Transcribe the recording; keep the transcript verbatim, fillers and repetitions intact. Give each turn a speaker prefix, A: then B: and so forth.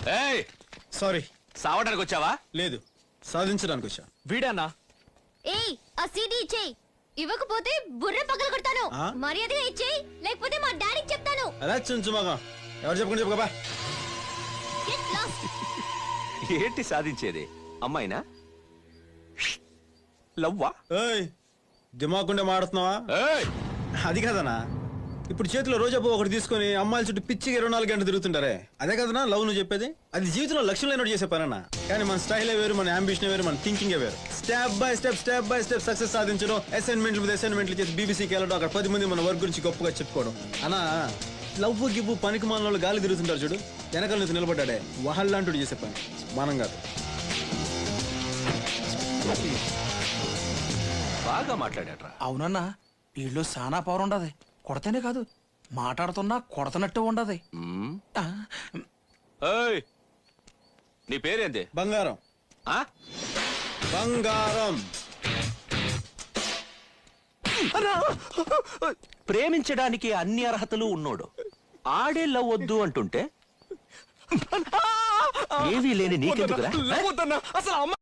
A: ఏయ్
B: సారీ.
A: సావడానికి వచ్చావా?
B: లేదు, సాధించడానికి వచ్చా.
A: వీడానా?
C: ఏయ్ ఆ సీడీ ఇచ్చేయ్, ఇవ్వకపోతే బుర్ర పగల కొడతాను.
B: ఆ?
C: మర్యాదగా ఇచ్చేయ్, లేకపోతే మా డాడీకి చెప్తాను.
B: అలా చుంచుమాగా ఎవరు చెప్పకుండా చెప్పుకోబా.
C: Get lost.
A: ఏంటి సాధించేది? అమ్మాయినా? లవ్వా?
B: ఏయ్ దిమాకుండే మాడుతున్నావా?
A: ఏయ్
B: అది కదనా, ఇప్పుడు చేతిలో రోజా పువ్వు ఒకటి తీసుకొని అమ్మాయిల చుట్టూ పిచ్చిగా ఇరవై నాలుగు గంటలు తిరుగుతుంటారే, అదే కదనా లవ్ నువ్వు చెప్పేది? అది జీవితంలో లక్ష్యం లేనట్టు చేసే పనన్నా. కానీ మన స్టైలే వేరు, మన అంబిషన్ వేరు, మన థింకింగ్ వేరు. Step by step step by step success సాధించడం, అసైన్మెంట్లు మీద అసైన్మెంట్లు చేసి బీబీసీకి వెళ్ళడం, అక్కడ పది మంది మన వర్క్ గురించి గొప్పగా చెప్పుకోవడం. అన్నా లవ్ గివ్వు పనికి మన వాళ్ళు గాలి తిరుగుతుంటారు చూడు, వెనకాల నుంచి నిలబడ్డాడే వహల్లాంటి చేసే పని, మనం కాదు.
A: బాగా మాట్లాడాడ్రా.
D: అవునన్నా, వీళ్ళు సానా పవర్ ఉండదు. కొడతనే కాదు, మాట్లాడుతున్నా కొడతనట్టు ఉండదు.
A: మ్మ్. ఏయ్ నీ పేరేంది?
B: బంగారం.
A: ఆ?
B: బంగారం.
A: ప్రేమించడానికి అన్ని అర్హతలు ఉన్నోడు ఆడే లవ్ వద్దు అంటుంటే ఏవీ లేని నీకెందుకురా?
D: అసలు